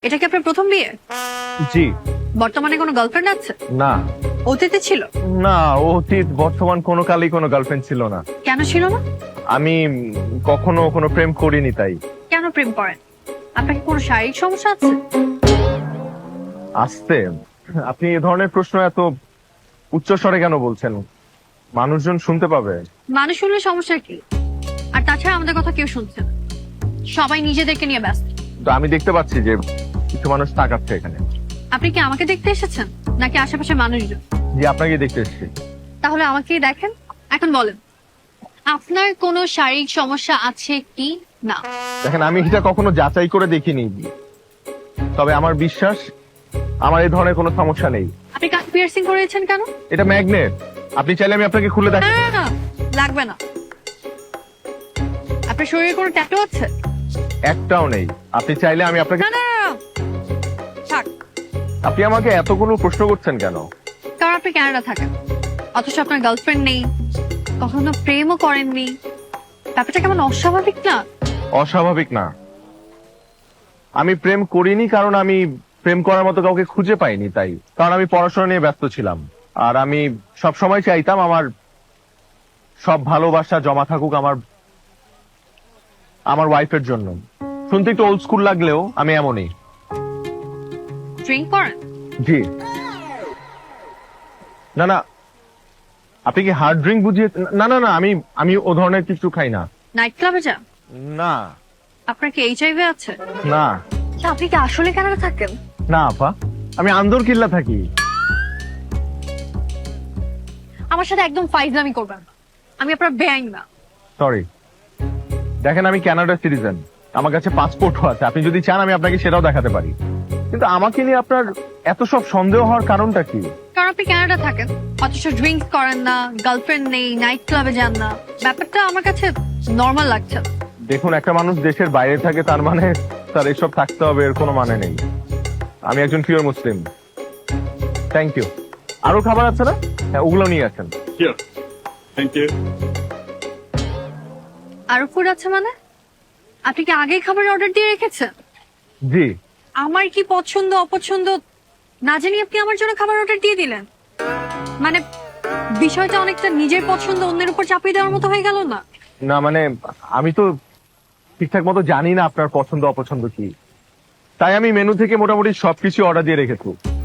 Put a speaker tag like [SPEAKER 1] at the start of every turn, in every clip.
[SPEAKER 1] এটা কি আপনার প্রথম বিয়ে?
[SPEAKER 2] জি।
[SPEAKER 1] বর্তমানে কোনো গার্লফ্রেন্ড আছে?
[SPEAKER 2] না
[SPEAKER 1] অতীতে ছিল?
[SPEAKER 2] না, অতীত বর্তমান কোনো কালেই কোনো গার্লফ্রেন্ড ছিল না।
[SPEAKER 1] কেন ছিল না?
[SPEAKER 2] আমি কখনো কোনো প্রেম করিনি তাই।
[SPEAKER 1] কেন প্রেম করেন? আপনার কি কোনো শারীরিক সমস্যা আছে?
[SPEAKER 2] আসতে আপনি এই ধরনের প্রশ্ন এত উচ্চ স্বরে কেন বলছেন? মানুষজন শুনতে পাবে।
[SPEAKER 1] মানুষ শুনলে সমস্যা কি? আর তাছাড়া আমাদের কথা কেউ শুনছে না, সবাই নিজেদেরকে নিয়ে ব্যস্ত।
[SPEAKER 2] তো আমি দেখতে পাচ্ছি যে কিছু মানুষ তাকাচ্ছে এখানে।
[SPEAKER 1] আপনি কি আমাকে দেখতে এসেছেন নাকি আশেপাশে মানুষজন?
[SPEAKER 2] জি, আপনাকে দেখতে এসেছি।
[SPEAKER 1] তাহলে আমাকেই দেখেন। এখন বলেন, আপনার কোনো শারীরিক সমস্যা আছে কি না?
[SPEAKER 2] দেখেন, আমি এটা কখনো যাচাই করে দেখিনি, তবে আমার বিশ্বাস আমার এই ধরনের কোনো সমস্যা নেই।
[SPEAKER 1] আপনি কান পিয়ার্সিং করেছেন কেন?
[SPEAKER 2] এটা ম্যাগনেট, আপনি চাইলে আমি আপনাকে খুলে
[SPEAKER 1] না
[SPEAKER 2] দেখাই।
[SPEAKER 1] না, না, লাগবে না। আপনার শরীরে কোনো ট্যাটু আছে?
[SPEAKER 2] একটাও নেই। আপনি চাইলে আমি আপনাকে।
[SPEAKER 1] না না না, না। থাক।
[SPEAKER 2] আপনি আমাকে এতগুলো প্রশ্ন করছেন কেন?
[SPEAKER 1] কারণ আপনি কানাডা থাকেন, অথচ আপনার গার্লফ্রেন্ড নেই, কখনো প্রেমও করেননি। ব্যাপারটা কেমন অস্বাভাবিক না?
[SPEAKER 2] অস্বাভাবিক না। আমি প্রেম করিনি কারণ আমি প্রেম করার মতো কাউকে খুঁজে পাইনি তাই। কারণ আমি পড়াশোনা নিয়ে ব্যস্ত ছিলাম। আর আমি সব সময় চাইতাম আমার সব ভালোবাসা জমা থাকুক আমার ওয়াইফের জন্য। শুনতে একটু ওল্ড স্কুল লাগলেও আমি এমনই।
[SPEAKER 1] ড্রিঙ্ক করেন?
[SPEAKER 2] জি। না না, আপনি কি হার্ড ড্রিঙ্ক বুঝিয়ে? না না না, আমি ও ধরনের কিছু খাই না।
[SPEAKER 1] নাইট ক্লাবে যান?
[SPEAKER 2] না
[SPEAKER 1] আপনার কি এইচআইভি আছে?
[SPEAKER 2] না
[SPEAKER 1] তা আপনি কি আসলে কানাডা থাকেন?
[SPEAKER 2] না আপা, আমি আন্দর কিল্লা থাকি।
[SPEAKER 1] আমার সাথে একদম ফাইজলামি করবেন না, আমি আপনার বেআইন না।
[SPEAKER 2] সরি। দেখেন, আমি কানাডা সিটিজেন, আমার কাছে পাসপোর্টও আছে। আপনি যদি চান আমি আপনাকে সেটাও দেখাতে পারি। কিন্তু আমাকে নিয়ে আপনার এত সব সন্দেহ হওয়ার কারণটা কি?
[SPEAKER 1] কারণ আপনি কানাডা থাকেন, অথচ ড্রিঙ্কস করেন না, গার্লফ্রেন্ড নেই, নাইট ক্লাবে যান না। ব্যাপারটা আমার কাছে নর্মাল লাগছে না।
[SPEAKER 2] দেখুন, একটা মানুষ দেশের বাইরে থাকে তার মানে তার এসব থাকতে হবে এর কোনো মানে নেই। আমি একজন পিওর মুসলিম। Thank you. আরো খাবার আছে না? হ্যাঁ, ওগুলো নিয়ে আসেন।
[SPEAKER 3] Here. Thank you.
[SPEAKER 1] আরো ফুড আছে মানে? আপনি কি আগেই খাবার অর্ডার দিয়ে রেখেছেন?
[SPEAKER 2] জি।
[SPEAKER 1] আমার কি পছন্দ অপছন্দ না জানি আপনি আমার জন্য খাবার অর্ডার দিয়ে দিলেন। মানে বিষয়টা অনেকটা নিজের পছন্দ অন্যের উপর চাপিয়ে দেওয়ার মতো হয়ে গেল না?
[SPEAKER 2] না মানে, আমি তো ঠিকঠাক মতো জানি না আপনার পছন্দ অপছন্দ কি, তাই আমি মেনু থেকে মোটামুটি সবকিছু অর্ডার দিয়ে রেখেছি।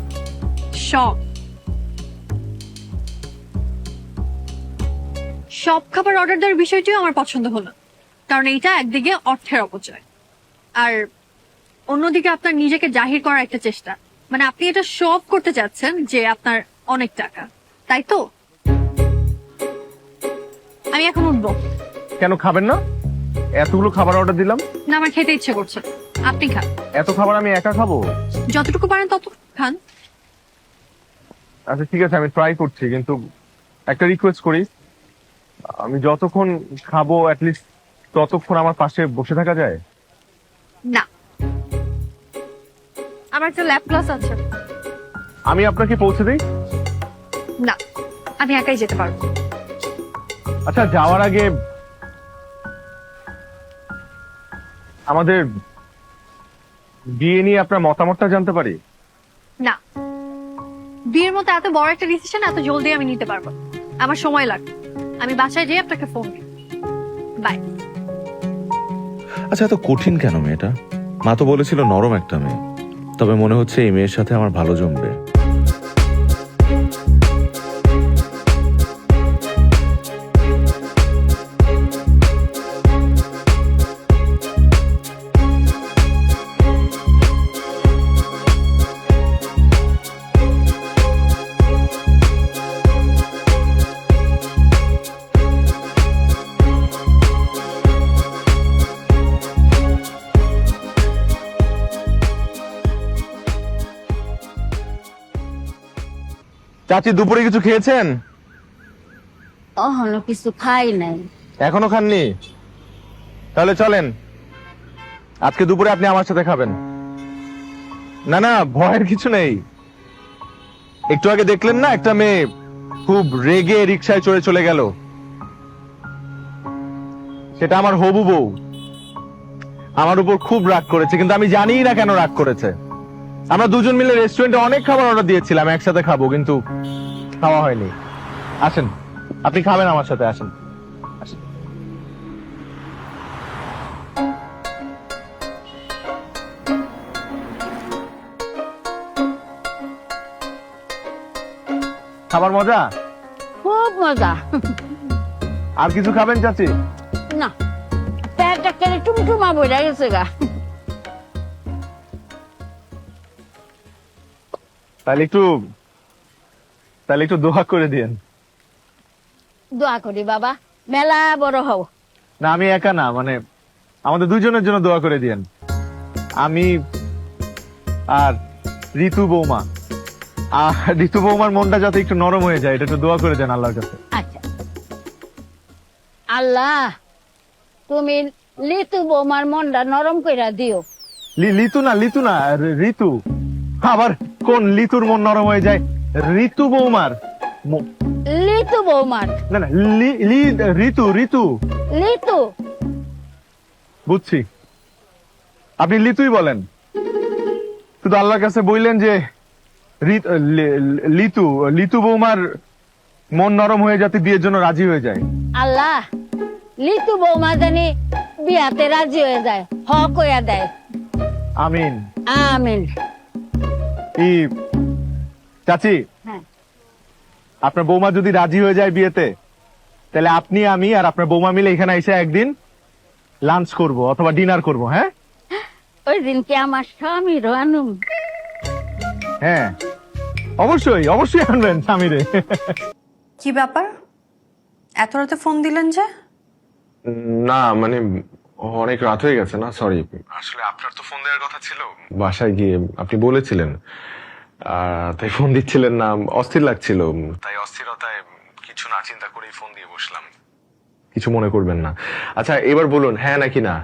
[SPEAKER 1] সব খাবার অর্ডার দেওয়ার বিষয়টিও আমার পছন্দ হলো, কারণ এইটা একদিকে অর্থের অপচয়, আর অন্যদিকে আপনার নিজেকে জাহির করার একটা চেষ্টা। মানে আপনি এটা শো অফ করতে চাচ্ছেন যে আপনার অনেক টাকা, তাই তো? আমি এখন উঠবো।
[SPEAKER 2] কেন খাবেন না? এতগুলো খাবার অর্ডার দিলাম।
[SPEAKER 1] না, আমার খেতে ইচ্ছে করছে, আপনি খান।
[SPEAKER 2] এত খাবার আমি একা খাবো?
[SPEAKER 1] যতটুকু পারেন তত খান।
[SPEAKER 2] আচ্ছা ঠিক আছে, আমি ট্রাই করছি, কিন্তু একটা রিকোয়েস্ট করি, আমি যতক্ষণ খাবো অ্যাটলিস্ট ততক্ষণ আমার পাশে বসে থাকা যায়?
[SPEAKER 1] না, আমার একটা ল্যাব ক্লাস আছে।
[SPEAKER 2] আমি আপনাকে পৌঁছে দিই?
[SPEAKER 1] না, আমি একাই যেতে পারবো।
[SPEAKER 2] আচ্ছা, যাওয়ার আগে আমাদের বিয়ে নিয়ে আপনার মতামতটা জানতে পারি?
[SPEAKER 1] না, বিয়ের মতো এত বড় একটা ডিসিশন এত জলদি আমি নিতে পারবো না। আমার সময় লাগবে। আমি বাসায় যেয়ে আপনাকে ফোন দিই। বাই।
[SPEAKER 4] আচ্ছা, এত কঠিন কেন মেয়েটা? মা তো বলেছিল নরম একটা মেয়ে, তবে মনে হচ্ছে এই মেয়ের সাথে আমার ভালো জমবে।
[SPEAKER 2] চাচি, দুপুরে কিছু খেয়েছেন?
[SPEAKER 5] অহনো কিছু খাই নাই।
[SPEAKER 2] এখনো খাননি? তাহলে চলেন, আজকে দুপুরে আপনি আমার সাথে খাবেন। না না, ভয়ের কিছু নেই। একটু আগে দেখলেন না একটা মেয়ে খুব রেগে রিকশায় চড়ে চলে গেল? সেটা আমার হবু বউ। আমার উপর খুব রাগ করেছে, কিন্তু আমি জানি না কেন রাগ করেছে। আমরা দুজন মিলে রেস্টুরেন্টে অনেক খাবার অর্ডার দিয়েছিলাম, একসাথে খাবো, কিন্তু খাওয়া হয়নি। আসেন, আপনি খাবেন আমার সাথে, আসেন আসেন। খাবার মজা?
[SPEAKER 5] খুব মজা।
[SPEAKER 2] আর কিছু খাবেন চাচি?
[SPEAKER 5] না, পেটটা কেটে টুমটুমা বইরা গেছে গা।
[SPEAKER 2] তাহলে একটু দোয়া করে দিয়েন।
[SPEAKER 5] দোয়া করি বাবা, মেলা বড় হও।
[SPEAKER 2] না, আমি একা না, মানে আমাদের দুজনের জন্য দোয়া করে দিয়েন। আমি আর ঋতু বৌমা, আর ঋতু বৌমার মনটা যাতে একটু নরম হয়ে যায়, এটা একটু দোয়া করে দেন আল্লাহর কাছে।
[SPEAKER 5] আচ্ছা, আল্লাহ তুমি লিতু বৌমার মনটা নরম কইরা দিও।
[SPEAKER 2] লিতু না, ঋতু। আবার কোন লিতুর মন নরম হয়ে যায়? ঋতু বৌমার
[SPEAKER 5] লিতু বৌমার,
[SPEAKER 2] না না, ঋতু।
[SPEAKER 5] লিতু।
[SPEAKER 2] বুঝছি, আপনি লিতুই বলেন, শুধু আল্লাহর কাছে বললেন যে লিতু বৌমার মন নরম হয়ে যাতে বিয়ের জন্য রাজি হয়ে যায়।
[SPEAKER 5] আল্লাহ লিতু বৌমা জানি বিয়াতে রাজি হয়ে যায়, হ কইয়া দেয়।
[SPEAKER 2] আমিন।
[SPEAKER 5] আমিন।
[SPEAKER 2] চাচি,
[SPEAKER 5] হ্যাঁ,
[SPEAKER 2] আপনার বৌমা যদি রাজি হয়ে যায় বিয়েতে, তাহলে আপনি, আমি আর আপনার বৌমা মিলে এখানে এসে একদিন লাঞ্চ করব অথবা ডিনার করব। হ্যাঁ
[SPEAKER 5] ওই দিনকে আমার স্বামী রানুম।
[SPEAKER 2] হ্যাঁ, অবশ্যই আনবেন স্বামীরে।
[SPEAKER 1] কি ব্যাপার, এত রাতে ফোন দিলেন যে?
[SPEAKER 2] না মানে অনেক রাত হয়ে গেছে না, সরি। আসলে আপনার তো ফোন দেওয়ার কথা ছিল, বাসায় গিয়ে আপনি বলেছিলেন, তাই ফোন দিচ্ছিলেন না, অস্থির লাগছিল, তাই অস্থিরতায় কিছু না চিন্তা করেই ফোন দিয়ে বসলাম। কিছু মনে করবেন না। আচ্ছা এবার বলুন, হ্যাঁ নাকি না?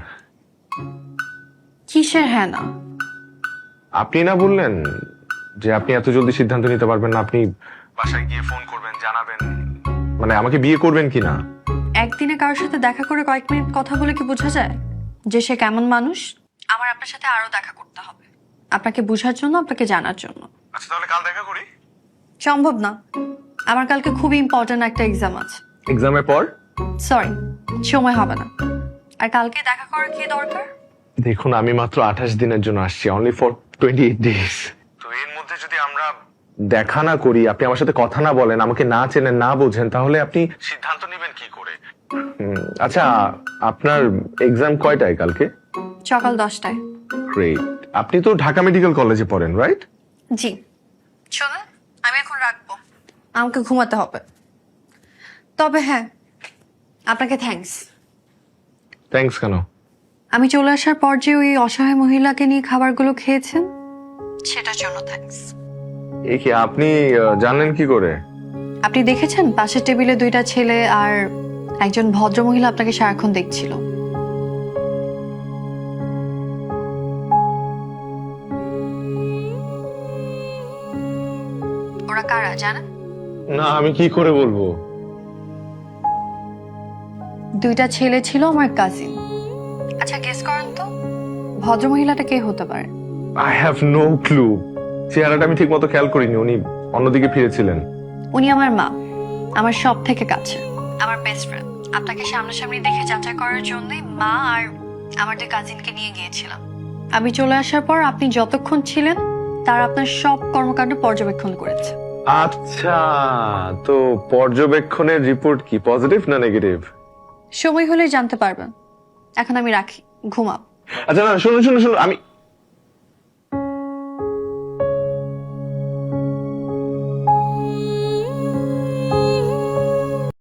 [SPEAKER 1] কিসের হ্যাঁ না?
[SPEAKER 2] আপনি না বললেন যে আপনি এত জলদি সিদ্ধান্ত নিতে পারবেন না, আপনি বাসায় গিয়ে ফোন করবেন, জানাবেন, মানে আমাকে বিয়ে করবেন কিনা।
[SPEAKER 1] একদিনে কারোর সাথে দেখা করে কয়েক মিনিট কথা বলে কি বোঝা যায় যে সে কেমন মানুষ? আমার আপনার সাথে আরো দেখা করতে হবে, আপনাকে বোঝার জন্য, আপনাকে জানার জন্য।
[SPEAKER 2] আচ্ছা তাহলে কাল দেখা করি।
[SPEAKER 1] সম্ভব না, আমার কালকে খুবই ইম্পর্টেন্ট একটা এক্সাম আছে।
[SPEAKER 2] এক্সামের পর?
[SPEAKER 1] সরি, সময় হবে না। আর কালকে দেখা করার কি দরকার?
[SPEAKER 2] দেখুন, আমি মাত্র 28 দিনের জন্য আসছি, অনলি ফর 28 ডেজ। তো এর মধ্যে যদি আমরা দেখা না করি, আপনি আমার সাথে কথা না বলেন, আমাকে না চেনেন, না বোঝেন, তাহলে আপনি সিদ্ধান্ত নেবেন কি করে? আচ্ছা, আপনার এক্সাম কয়টায় কালকে?
[SPEAKER 1] সকাল 10টায়।
[SPEAKER 2] গ্রেট। আপনি তো ঢাকা মেডিকেল কলেজে পড়েন, রাইট?
[SPEAKER 1] জি। শোনেন, আমি এখন রাখবো, আমাকে ঘুমাতে হবে। তবে হ্যাঁ, আপনাকে থ্যাঙ্কস।
[SPEAKER 2] থ্যাঙ্কস কেন?
[SPEAKER 1] আমি চলে আসার পর যে ওই অসহায় মহিলাকে নিয়ে খাবারগুলো খেয়েছেন, সেটার জন্য থ্যাঙ্কস।
[SPEAKER 2] এ কি, আপনি জানলেন কি করে?
[SPEAKER 1] আপনি দেখেছেন পাশের টেবিলে 2টা ছেলে আর একজন ভদ্র মহিলা আপনাকে সারাক্ষণ দেখছিল। ওরা কারা জানেন?
[SPEAKER 2] না, আমি কি করে বলবো?
[SPEAKER 1] 2টা ছেলে ছিল আমার কাজিন। আচ্ছা গেস করেন তো ভদ্র মহিলাটা কে হতে পারে?
[SPEAKER 2] I have no clue. চেহারাটা আমি ঠিক মতো খেয়াল করিনি, উনি অন্যদিকে ফিরেছিলেন।
[SPEAKER 1] উনি আমার মা, আমার সব থেকে কাছে, আমার বেস্ট ফ্রেন্ড। আপনাকে সামনাসামনি দেখে যাচাই করার জন্যই মা আর আমার 2 কাজিনকে নিয়ে গিয়েছিলাম। আমি চলে আসার পর আপনি যতক্ষণ ছিলেন তার আপনার সব কর্মকাণ্ড পর্যবেক্ষণ করেছে।
[SPEAKER 2] আচ্ছা, তো পর্যবেক্ষণের রিপোর্ট কি, পজিটিভ না নেগেটিভ?
[SPEAKER 1] সময় হলেই জানতে পারবেন। এখন আমি রাখি, ঘুমাও।
[SPEAKER 2] আচ্ছা না, শুনুন, আমি